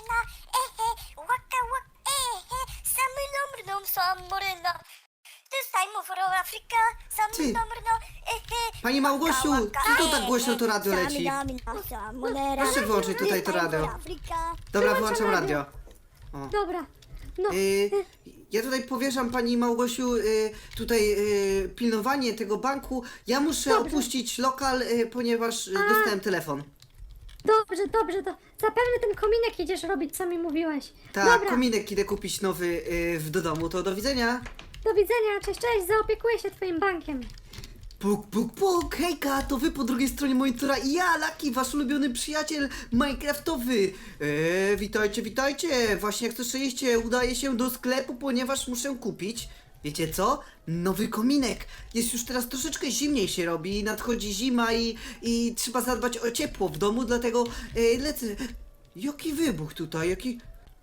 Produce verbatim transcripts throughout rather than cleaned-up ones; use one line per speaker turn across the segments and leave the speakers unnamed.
morena, ehe, waka waka, ehe, samylomrną, samorena. This time for Africa, samylomrną, ehe.
Pani Małgosiu, co to tak głośno to radio leci? Proszę wyłączyć tutaj to radio. Dobra, wyłączam radio. O.
Dobra, no.
Y, ja tutaj powierzam pani Małgosiu y, tutaj y, pilnowanie tego banku. Ja muszę
Dobrze.
opuścić lokal, y, ponieważ y, dostałem telefon.
Dobrze, dobrze, to zapewne ten kominek idziesz robić, co mi mówiłeś.
Tak,
Dobra,
kominek idę kupić nowy y, w do domu, to do widzenia.
do widzenia, cześć, cześć, zaopiekuję się twoim bankiem.
Puk, puk, puk, hejka, to wy po drugiej stronie monitora i ja, Laki, wasz ulubiony przyjaciel minecraftowy. Eee, witajcie, witajcie, właśnie jak słyszeliście, udaję się do sklepu, ponieważ muszę kupić, wiecie co? Nowy kominek. Jest już teraz troszeczkę zimniej się robi, nadchodzi zima i, i trzeba zadbać o ciepło w domu, dlatego e, lecę. Jaki wybuch tutaj, jaki...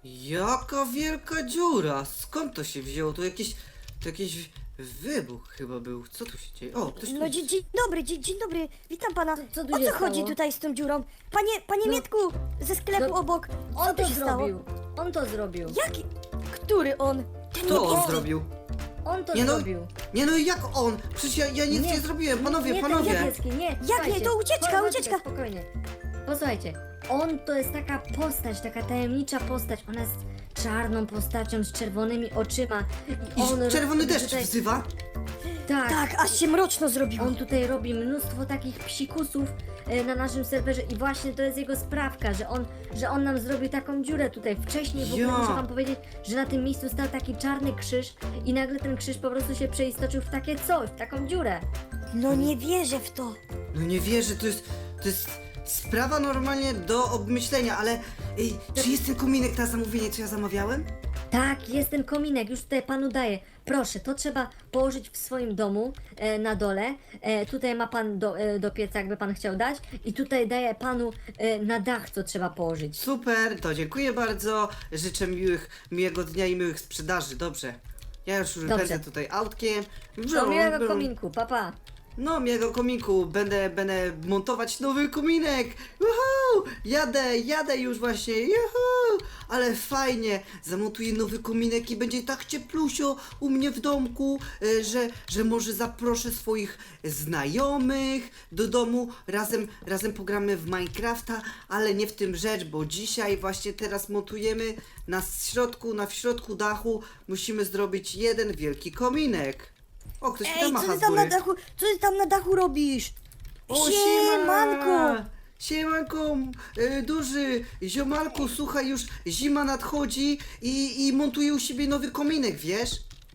Jaka wielka dziura, skąd to się wzięło? To jakieś... To jakiś... Wybuch chyba był. Co tu się dzieje? O, ktoś tu
No
jest.
dzień, dzień dobry, dzień, dzień dobry, witam pana.
Co tu
O
się
co chodzi
stało?
tutaj z tą dziurą? Panie, panie
No.
Mietku, ze sklepu
No,
obok, co
On
tu
to
się stało?
zrobił, on to zrobił,
Jaki? Który on? Ten
Co on
niebieski?
zrobił?
on to
Nie no,
zrobił.
nie no, jak on? Przecież ja, ja nic nie,
Nie,
zrobiłem, panowie,
nie,
panowie.
Ten niebieski, nie,
nie,
słuchajcie.
to ucieczka,
Chodź, chodź,
ucieczka.
Spokojnie. Posłuchajcie, on to jest taka postać, taka tajemnicza postać. Ona jest czarną postacią z czerwonymi oczyma. I,
I
on
czerwony
robi
deszcz
tutaj,
wzywa?
Tak,
Tak, aż się mroczno zrobiło.
on tutaj robi mnóstwo takich psikusów e, na naszym serwerze i właśnie to jest jego sprawka, że on, że on nam zrobił taką dziurę tutaj. Wcześniej w ogóle
Ja.
muszę wam powiedzieć, że na tym miejscu stał taki czarny krzyż i nagle ten krzyż po prostu się przeistoczył w takie coś, w taką dziurę.
No nie wierzę w to.
No nie wierzę, to jest, to jest sprawa normalnie do obmyślenia, ale ej, czy jest ten kominek na zamówienie, co ja zamawiałem?
Tak, jest ten kominek, już tutaj panu daję. Proszę, to trzeba położyć w swoim domu e, na dole. E, tutaj ma pan do, e, do pieca, jakby pan chciał dać. I tutaj daję panu e, na dach, co trzeba położyć.
Super, to dziękuję bardzo. Życzę miłych, miłego dnia i miłych sprzedaży, dobrze. Ja już
Dobrze.
pędzę tutaj autkiem.
Do miłego kominku, papa.
No, miłego kominku, będę, będę montować nowy kominek. Uhu! Jadę, jadę już właśnie. Juhu! Ale fajnie, zamontuję nowy kominek i będzie tak cieplusio u mnie w domku, e, że, że może zaproszę swoich znajomych do domu. Razem, razem pogramy w Minecrafta, ale nie w tym rzecz, bo dzisiaj właśnie teraz montujemy na środku, na w środku dachu musimy zrobić jeden wielki kominek. O, ktoś mi tam
Ej, co
macha
ty
z
tam na
góry.
dachu, co ty tam na dachu robisz?
O,
Siemanko!
Siemanko, y, duży ziomalku, słuchaj, już zima nadchodzi i, i montuję u siebie nowy kominek, wiesz?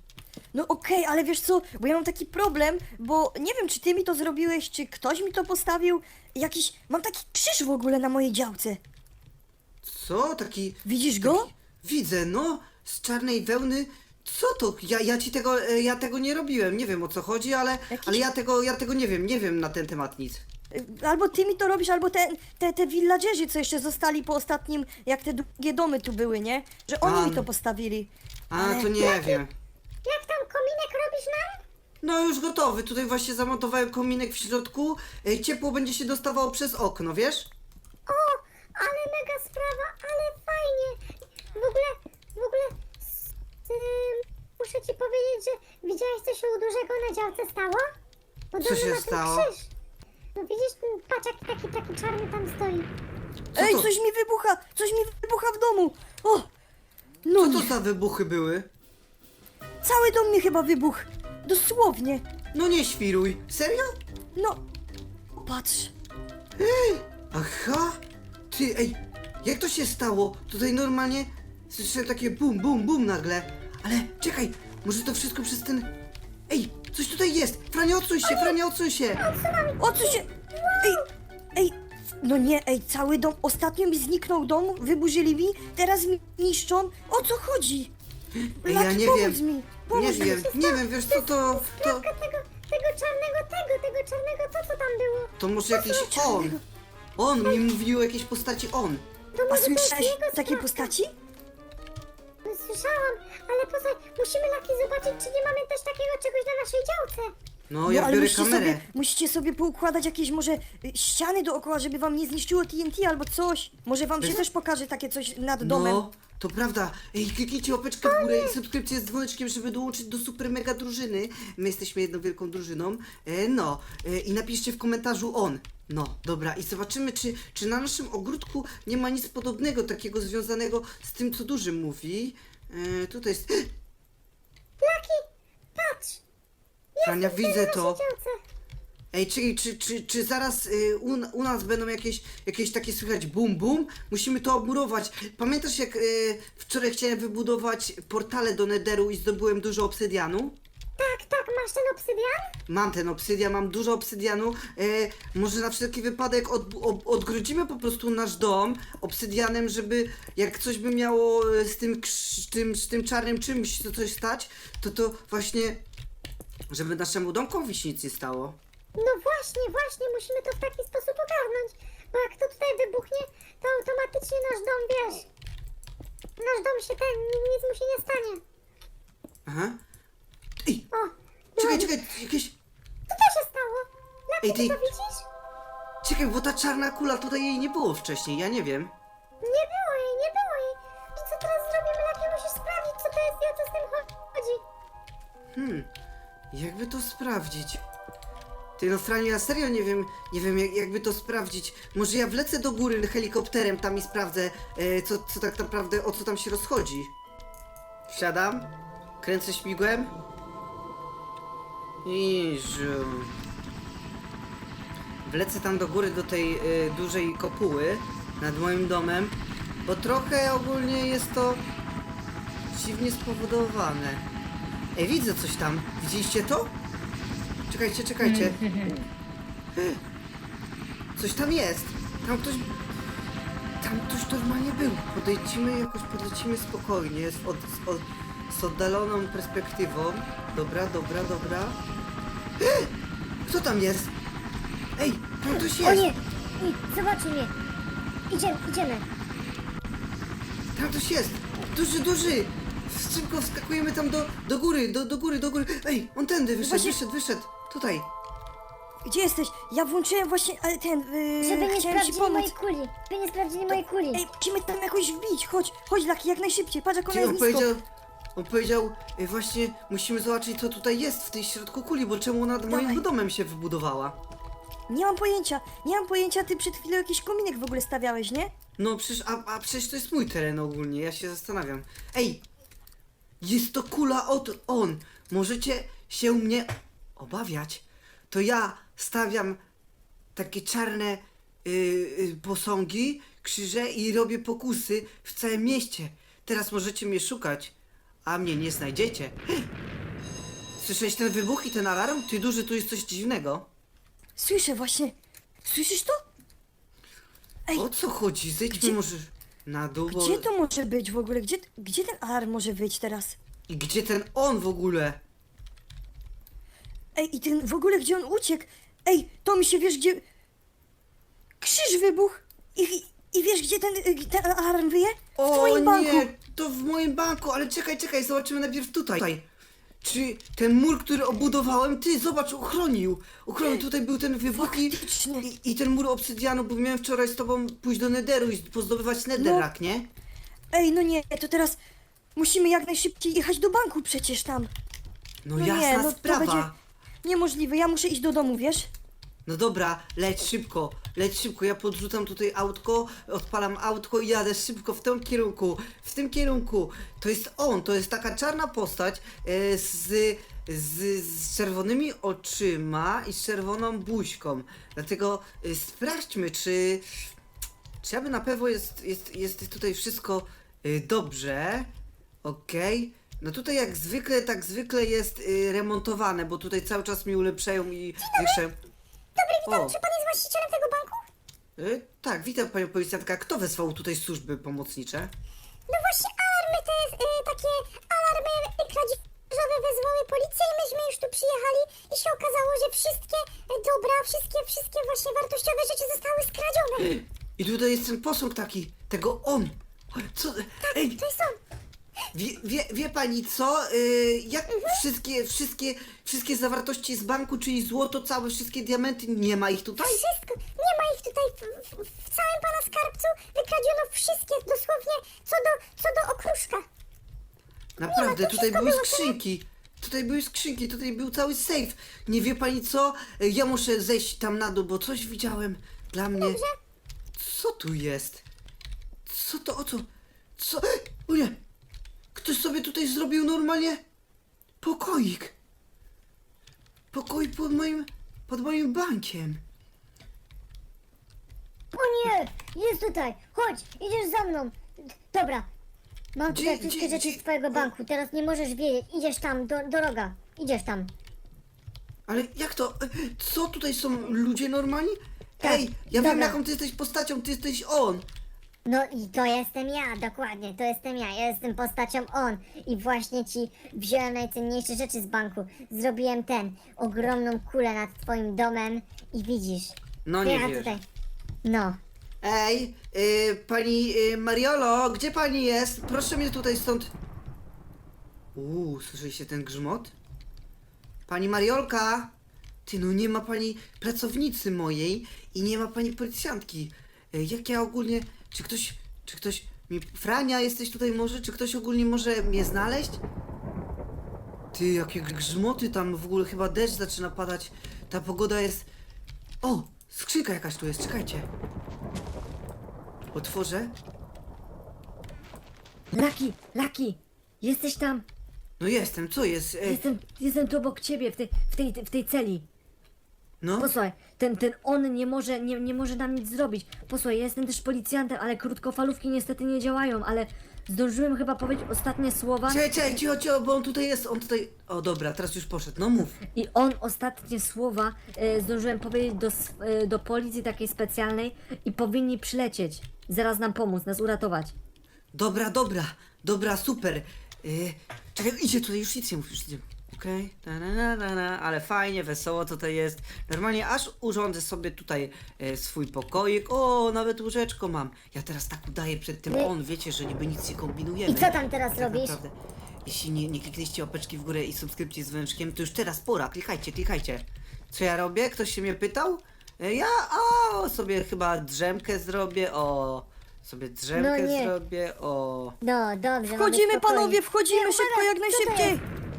No okej, ale wiesz co, bo ja mam taki problem, bo nie wiem, czy ty mi to zrobiłeś, czy ktoś mi to postawił. Jakiś, mam taki krzyż w ogóle na mojej działce.
Co? Taki...
Widzisz go?
taki widzę, no, z czarnej wełny. Co to? Ja, ja ci tego, e, ja tego nie robiłem, nie wiem o co chodzi, ale,
Jakiś-
ale ja tego, ja tego nie wiem, nie wiem na ten temat nic.
Y, Albo ty mi to robisz, albo te, te, te villagerzy, co jeszcze zostali po ostatnim, jak te długie domy tu były, nie? Że oni
A,
mi to
no.
postawili.
A,
Ale-
to nie wiem.
Jak tam kominek robisz nam?
No już gotowy, tutaj właśnie zamontowałem kominek w środku, e, ciepło będzie się dostawało przez okno, wiesz?
O, ale mega sprawa, ale fajnie. W ogóle, w ogóle, s- ym, muszę ci powiedzieć, że widziałeś, co się u dużego na działce stało? Podobno
się
ma ten
stało?
krzyż. No widzisz, ten paczek taki, taki czarny tam stoi.
Co
Ej,
to?
coś mi wybucha, coś mi wybucha w domu. O, no
Co to
nie,
za wybuchy były?
cały dom mi chyba wybuchł. Dosłownie.
No nie świruj. Serio?
No, patrz.
Aha! Ty, ej, jak to się stało? Tutaj normalnie słyszałem takie bum, bum, bum nagle. Ale czekaj, może to wszystko przez ten... Ej, coś tutaj jest! Frania, odsuń się, Frania, odsuń się!
O co się... Ej, ej, no nie, ej, cały dom, ostatnio mi zniknął dom, wyburzyli mi, teraz mi niszczą. O co chodzi?
Ej, ja
Laki,
nie
pomóż
wiem,
mi,
nie
pomóż mi.
wiem, nie wiem, wiesz co, to... To,
Sprawka tego, tego czarnego, tego, tego czarnego, to co tam było?
to może jakiś on. On, mi mówił o jakiejś postaci on.
To
A
może to jest
słyszałeś
jego
takiej
sprawka.
postaci?
No, słyszałam, ale posłuchaj, musimy Laki zobaczyć, czy nie mamy też takiego czegoś na naszej działce.
No, ja
ale
biorę
musicie
kamerę.
sobie, musicie sobie poukładać jakieś może y, ściany dookoła, żeby wam nie zniszczyło T N T albo coś. Może wam się
Bez-
też pokaże takie coś nad domem.
No, to prawda. Ej, kliknijcie łapeczkę w górę i subskrypcję z dzwoneczkiem, żeby dołączyć do super mega drużyny. My jesteśmy jedną wielką drużyną. E, no, e, i napiszcie w komentarzu on. No, dobra, i zobaczymy, czy, czy na naszym ogródku nie ma nic podobnego, takiego związanego z tym, co duży mówi. E, tutaj jest...
Laki, patrz!
Frania, widzę
Na
to.
naszej działce.
Ej, czy, czy, czy, czy zaraz y, u, u nas będą jakieś, jakieś takie słychać bum bum? Musimy to obmurować. Pamiętasz jak y, wczoraj chciałem wybudować portale do Netheru i zdobyłem dużo obsydianu?
Tak, tak, masz ten obsydian?
Mam ten obsydian, mam dużo obsydianu. Y, może na wszelki wypadek od, od, odgrodzimy po prostu nasz dom obsydianem, żeby jak coś by miało y, z tym, krz- tym, z tym czarnym czymś co coś stać, to to właśnie, żeby naszemu domkowi się nic nie stało.
No właśnie, właśnie, musimy to w taki sposób ogarnąć, bo jak to tutaj wybuchnie, to automatycznie nasz dom, wiesz, nasz dom się ten, nic mu się nie stanie.
Aha. Ej,
O,
czekaj,
no,
czekaj, jakieś...
co to się stało? Laki,
Ej,
ty
ty-
to widzisz?
Czekaj, bo ta czarna kula tutaj jej nie było wcześniej, ja nie wiem.
Nie było jej, nie było jej. I co teraz zrobimy, Laki? Musisz sprawdzić, co to jest i o co z tym chodzi.
Hmm, jakby to sprawdzić? Ty no Franiu, ja serio nie wiem, nie wiem jak, jakby to sprawdzić. Może ja wlecę do góry helikopterem tam i sprawdzę, e, co, co tak naprawdę, o co tam się rozchodzi. Wsiadam, kręcę śmigłem. I żu. Wlecę tam do góry do tej e, dużej kopuły nad moim domem, bo trochę ogólnie jest to dziwnie spowodowane. Ej, widzę coś tam. Widzieliście to? Czekajcie, czekajcie. Coś tam jest. Tam ktoś... Tam ktoś normalnie był. Podejdźmy jakoś, podlecimy spokojnie, z, od, z, od, z oddaloną perspektywą. Dobra, dobra, dobra. Kto tam jest? Ej, tam ktoś
O
jest.
nie, I, zobaczy mnie. Idziemy, idziemy.
Tam ktoś jest. Duży, duży. Szybko wskakujemy tam do, do góry, do, do góry, do góry. Ej, on tędy wyszedł,
Właśnie-
wyszedł, wyszedł. Tutaj.
Gdzie jesteś? Ja włączyłem właśnie, ale ten, yy,
Żeby nie
chciałem ci
sprawdzili
pomóc.
mojej kuli. Żeby nie sprawdzili mojej kuli.
Ej, musimy tam jakoś wbić, chodź, chodź Laki, jak najszybciej, patrz jak ona
Gdzie
jest
on
nisko.
powiedział, on powiedział, y, właśnie musimy zobaczyć co tutaj jest w tej środku kuli, bo czemu nad moim
Dawaj.
domem się wybudowała?
Nie mam pojęcia, nie mam pojęcia, ty przed chwilą jakiś kominek w ogóle stawiałeś, nie?
No przecież, a, a przecież to jest mój teren ogólnie, ja się zastanawiam. Ej, jest to kula od on, możecie się mnie obawiać. To ja stawiam takie czarne y, y, posągi, krzyże i robię pokusy w całym mieście. Teraz możecie mnie szukać, a mnie nie znajdziecie. Słyszałeś ten wybuch i ten alarm? Ty duży, tu jest coś dziwnego.
Słyszę właśnie, słyszysz to? Ej,
O co chodzi? Zejdźmy
Gdzie-
może na dół, bo...
gdzie to może być w ogóle? Gdzie, gdzie ten alarm może być teraz?
I gdzie ten on w ogóle?
Ej, i ten w ogóle gdzie on uciekł? Ej, to mi się wiesz gdzie... Krzyż wybuchł! I, i wiesz gdzie ten, y, ten alarm wyje? W
O
twoim banku!
nie, to w moim banku, ale czekaj, czekaj, zobaczymy najpierw tutaj. Czy ten mur, który obudowałem, ty, zobacz, uchronił. Uchronił, tutaj był ten wybuch i,
Faktycznie.
i, i ten mur obsydianu, bo miałem wczoraj z tobą pójść do Netheru i pozdobywać Netherrack, nie?
Ej, no nie, to teraz musimy jak najszybciej jechać do banku przecież tam.
No,
No
jasna
nie, no to
sprawa.
będzie niemożliwe, ja muszę iść do domu, wiesz?
No dobra, leć szybko, leć szybko, ja podrzucam tutaj autko, odpalam autko i jadę szybko w tym kierunku, w tym kierunku. To jest on, to jest taka czarna postać e, z, z, z czerwonymi oczyma i z czerwoną buźką. Dlatego e, sprawdźmy, czy, czy aby na pewno jest, jest, jest tutaj wszystko e, dobrze. Okej. No tutaj jak zwykle, tak zwykle jest y, remontowane, bo tutaj cały czas mi ulepszają i zwiększają.
Dobry, witam,
O.
czy pan jest właścicielem tego banku?
Y, tak, witam panią policjantka. Kto wezwał tutaj służby pomocnicze?
No właśnie, alarmy te, y, takie alarmy kradzieżowe wezwały policję i myśmy już tu przyjechali i się okazało, że wszystkie y, dobra, wszystkie, wszystkie właśnie wartościowe rzeczy zostały skradzione.
I tutaj jest ten posąg taki, tego on. Co? Ej,
To jest on.
Wie, wie, wie pani co? Yy, jak wszystkie, wszystkie, wszystkie zawartości z banku, czyli złoto, całe wszystkie diamenty, nie ma ich tutaj?
Wszystko, nie ma ich tutaj w, w, w całym pana skarbcu. Wykradziono wszystkie, dosłownie co do, co do okruszka.
Naprawdę,
to
tutaj
wszystko
były
było
skrzynki. Tutaj były skrzynki, tutaj był cały safe. Nie wie pani co? Yy, Ja muszę zejść tam na dół, bo coś widziałem dla mnie. Co tu jest? Co to, o co? Co? O nie! Ktoś sobie tutaj zrobił normalnie pokoik. Pokój pod moim, pod moim bankiem.
O nie, jest tutaj. Chodź, idziesz za mną. Dobra, mam
Gdzie-
tutaj wszystkie
gdzie-
rzeczy
gdzie-
z twojego banku. Teraz nie możesz wiedzieć. Idziesz tam, do, do roga. Idziesz tam.
Ale jak to? E, Co tutaj są ludzie normalni?
Tak,
Ej, ja wiem
dobra.
jaką ty jesteś postacią, ty jesteś on.
No i to jestem ja, dokładnie, to jestem ja, ja jestem postacią on i właśnie ci wziąłem najcenniejsze rzeczy z banku. Zrobiłem ten, ogromną kulę nad twoim domem i widzisz.
No nie
ja
wierzę.
tutaj. No.
Ej, y, pani y, Mariolo, gdzie pani jest? Proszę mnie tutaj stąd. Uuu, słyszeliście ten grzmot? Pani Mariolka! Ty, no nie ma pani pracownicy mojej i nie ma pani policjantki. Y, jak ja ogólnie... Czy ktoś... Czy ktoś... Mi, Frania, jesteś tutaj może? Czy ktoś ogólnie może mnie znaleźć? Ty, jakie grzmoty tam w ogóle, chyba deszcz zaczyna padać. Ta pogoda jest... O! Skrzynka jakaś tu jest, czekajcie. Otworzę?
Laki, Laki, jesteś tam?
No jestem, co jest? E,
Jestem, jestem tu obok ciebie, w tej, w tej, w tej celi.
no?
Posłuchaj, ten, ten on nie może, nie, nie może nam nic zrobić. Posłuchaj, ja jestem też policjantem, ale krótkofalówki niestety nie działają, ale zdążyłem chyba powiedzieć ostatnie słowa
Czekaj, czekaj, cicho, cicho, bo on tutaj jest, on tutaj... O dobra, teraz już poszedł, no mów.
i on ostatnie słowa e, zdążyłem powiedzieć do, s- e, do policji takiej specjalnej i powinni przylecieć. Zaraz nam pomóc, nas uratować.
Dobra, dobra, dobra, super. E, czekaj, idzie tutaj, już nic nie mów, już idzie. Okej, okay. na, na, na, na, ale fajnie, wesoło tutaj jest. Normalnie aż urządzę sobie tutaj e, swój pokoik. O, nawet łóżeczko mam. Ja teraz tak udaję przed tym
Wy-
on, wiecie, że niby nic nie kombinujemy.
I co tam teraz
Tak
robisz?
naprawdę, jeśli nie, nie klikliście łapeczki w górę i subskrypcji z wężkiem, to już teraz pora, klikajcie, klikajcie. Co ja robię? Ktoś się mnie pytał? E, Ja, o, sobie chyba drzemkę zrobię, o, sobie drzemkę
No nie.
zrobię, o.
No, dobrze.
Wchodzimy
mamy spokojnie.
panowie, wchodzimy
Nie,
szybko,
uwaga,
jak
co to
najszybciej!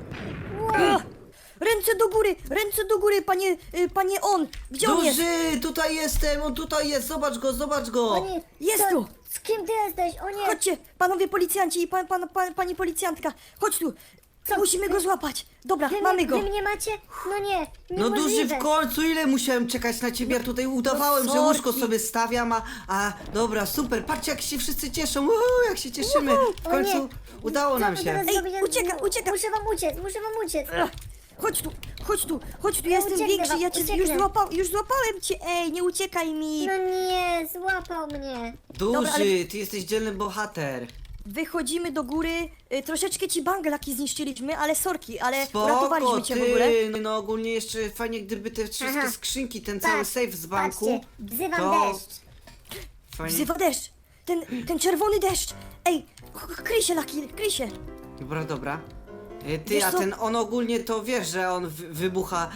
Wow.
Ach, Ręce do góry, ręce do góry, panie, y, panie on! Gdzie on jest?
Duży, tutaj jestem, on tutaj jest, zobacz go, zobacz go.
O nie,
Jest
co-
tu.
Z kim ty jesteś? O nie.
Chodźcie, panowie policjanci i pan, pan, pan, pani policjantka, chodź tu!
Co?
Musimy go złapać! Dobra,
Wy,
mamy
mnie-
go!
Wy mnie macie? No nie,
No duży,
niemożliwe.
w końcu, ile musiałem czekać na ciebie, ja tutaj udawałem,
No
że łóżko
sorki.
sobie stawiam, a, a dobra, super, patrzcie jak się wszyscy cieszą, Uhu, jak się cieszymy, w
O
końcu
nie.
udało
Co
nam
wy
się.
teraz
Ej,
zrobicie?
ucieka,
Mu-
ucieka.
Muszę wam uciec, muszę wam uciec.
Ach, Chodź tu, chodź tu, chodź tu, ja jestem
ucieknę
większy,
wam,
ja cię
ucieknę.
już, złapał, już złapałem cię, ej, nie uciekaj mi!
No nie, złapał mnie.
Duży,
Dobra, ale-
ty jesteś dzielny bohater.
Wychodzimy do góry, y, troszeczkę ci banglaki zniszczyliśmy, ale sorki, ale
Spoko,
uratowaliśmy cię w ogóle.
ty, no ogólnie jeszcze fajnie gdyby te wszystkie
Aha.
skrzynki, ten cały
Patrz,
safe z banku.
Patrzcie, wzywam
to
deszcz.
Fajnie.
Wzywa deszcz, ten, ten czerwony deszcz, ej, k- kryj się, Laki, kryj się.
Dobra, dobra. E, Ty,
Wiesz
a
co?
ten on ogólnie to wiesz, że on wy- wybucha,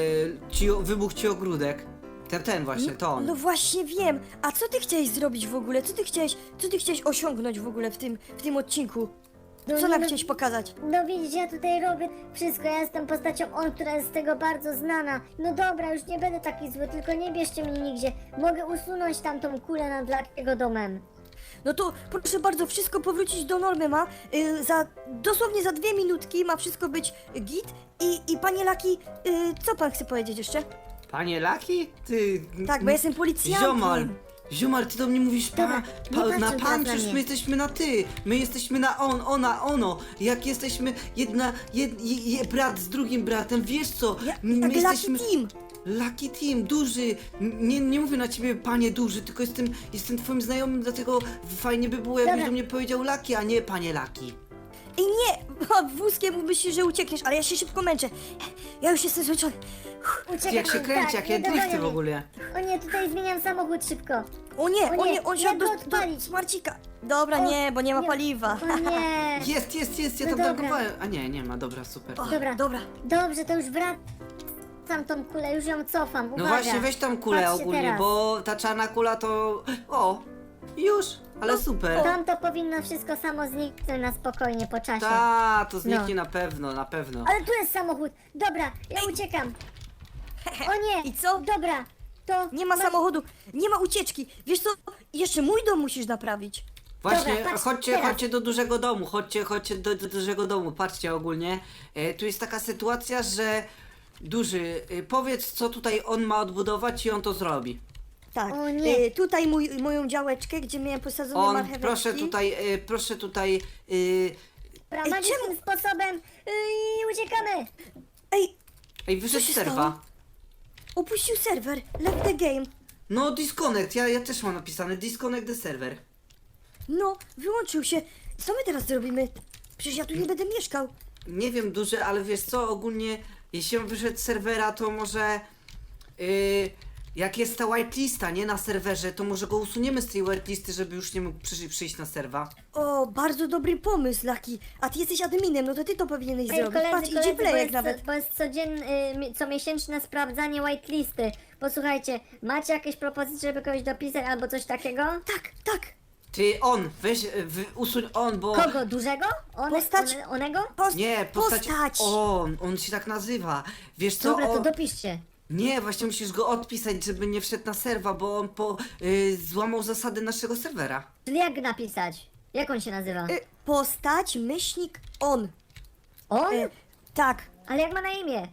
e, ci, wybuch ci ogródek. Ten, ten właśnie, to on.
No właśnie wiem, a co ty chciałeś zrobić w ogóle, co ty chciałeś, co ty chciałeś osiągnąć w ogóle w tym, w tym odcinku?
No
Co
nie,
nam
no-
chciałeś pokazać?
No widzisz, ja tutaj robię wszystko, ja jestem postacią on, która jest z tego bardzo znana. No dobra, już nie będę taki zły, tylko nie bierzcie mnie nigdzie. Mogę usunąć tamtą kulę nad Lakiego domem.
No to proszę bardzo, wszystko powrócić do normy ma. Y, za, dosłownie za dwie minutki ma wszystko być git. I, i panie Laki, y, co pan chce powiedzieć jeszcze?
Panie Laki? Ty...
Tak, bo ja jestem policjantem.
Ziomal! Ziomal, ty do mnie mówisz pa,
Dobra, nie
pa,
patrzcie
na
teraz
pan,
na
przecież
mnie.
my jesteśmy na ty. My jesteśmy na on, ona, ono. Jak jesteśmy jedna, jed, je, je, brat z drugim bratem, wiesz co?
Ja,
My
tak,
jesteśmy...
Lucky Team.
Lucky Team, duży. N- Nie, nie mówię na ciebie panie duży, tylko jestem, jestem twoim znajomym, dlatego fajnie by było, jakbyś
Dobra.
do mnie powiedział Lucky, a nie panie Lucky.
I nie, wózkiem myślisz, że uciekniesz, ale ja się szybko męczę. Ja już jestem zmęczony.
Uciekam.
Jak się kręci,
tak,
jakie
nie dogonią
drifty w
mnie.
ogóle.
O nie, tutaj zmieniam samochód szybko.
O nie,
O
o
nie,
nie, on
jak
siadł
go
do,
odpalić?
do smarcika. Dobra,
O,
nie, bo nie ma
nie.
paliwa.
O nie.
Jest, jest, jest, ja
No
tam
dobra.
tankowałem. A nie, nie ma, dobra, super.
O,
Dobra.
dobra.
Dobrze, to już wracam tą kulę, już ją cofam.
No
Uwaga.
właśnie, weź tam kulę
Patrzcie
ogólnie,
teraz.
bo ta czarna kula to... O, już, ale super.
Tam to powinno wszystko samo zniknąć na spokojnie po czasie.
Ta, to zniknie
No.
na pewno, na pewno.
Ale tu jest samochód. Dobra, ja uciekam. O nie.
I co?
Dobra, to...
Nie ma
masz-
samochodu, nie ma ucieczki. Wiesz co, jeszcze mój dom musisz naprawić.
Właśnie,
Dobra, patrz,
chodźcie,
teraz.
chodźcie do dużego domu, chodźcie, chodźcie do, do dużego domu, patrzcie ogólnie. E, tu jest taka sytuacja, że duży, e, powiedz co tutaj on ma odbudować i on to zrobi.
Tak,
O nie.
y, tutaj mój, moją działeczkę, gdzie miałem posadzone
On,
marcheweczki.
proszę tutaj, e, proszę tutaj, e,
Dobra,
Ej,
magicznym
czemu-
sposobem yy, i uciekamy.
Ej,
ej, wyszedł
się
z serwa.
stało? opuścił serwer, left the game.
No, disconnect, ja, ja też mam napisane, disconnect the server.
No, wyłączył się. Co my teraz zrobimy? Przecież ja tu nie będę mieszkał.
Nie wiem, duży, ale wiesz co, ogólnie, jeśli on wyszedł z serwera, to może, yy, jak jest ta whitelista, nie, na serwerze, to może go usuniemy z tej whitelisty, żeby już nie mógł przy, przyjść na serwa.
O, bardzo dobry pomysł, Laki. A ty jesteś adminem, no to ty to powinieneś
Ej,
zrobić.
koledzy,
Patrz, idzie
koledzy, bo
playek
jest,
nawet.
bo jest codziennie, y, comiesięczne sprawdzanie whitelisty. Posłuchajcie, macie jakieś propozycje, żeby kogoś dopisać albo coś takiego?
Tak, tak.
Ty, on, weź, y, wy, usuń on, bo...
Kogo? Dużego? On,
Postać-
one, onego?
Post
Nie, postać,
postać.
on, on się tak nazywa. Wiesz co,
Dobra, to
on...
dopiszcie.
Nie, właśnie musisz go odpisać, żeby nie wszedł na serwa, bo on po, y, złamał zasady naszego serwera.
Czyli jak napisać? Jak on się nazywa?
Y, postać, myślnik, on.
On?
Y, tak.
Ale jak ma na imię?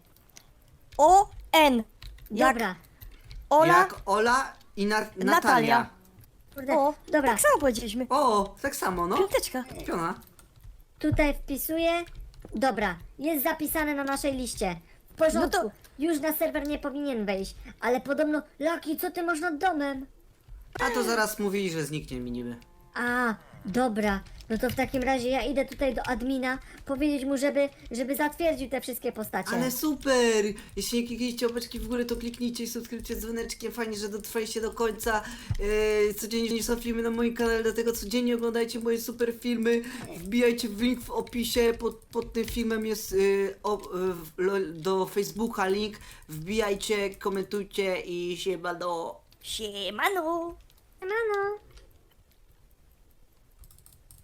O N. Jak
Dobra.
Ola,
Jak Ola i na, Natalia.
Natalia.
Kurde,
O,
dobra.
tak samo powiedzieliśmy.
O, tak samo, no.
Piąteczka.
Piona.
Tutaj wpisuję. Dobra, jest zapisane na naszej liście. W porządku.
No to-
Już na serwer nie powinien wejść. Ale podobno, Laki, co ty masz nad domem?
A to zaraz mówili, że zniknie mi niby.
A, dobra. No to w takim razie ja idę tutaj do admina, powiedzieć mu, żeby, żeby zatwierdził te wszystkie postacie.
Ale super! Jeśli nie kliknijcie łapeczki w górę, to kliknijcie i subskrybujcie z dzwoneczkiem. Fajnie, że dotrwaliście do końca. Yy, codziennie są filmy na moim kanale, dlatego codziennie oglądajcie moje super filmy. Wbijajcie w link w opisie. Pod, pod tym filmem jest yy, o, yy, lo- do Facebooka link. Wbijajcie, komentujcie i siemano.
Siemano.
Siemano.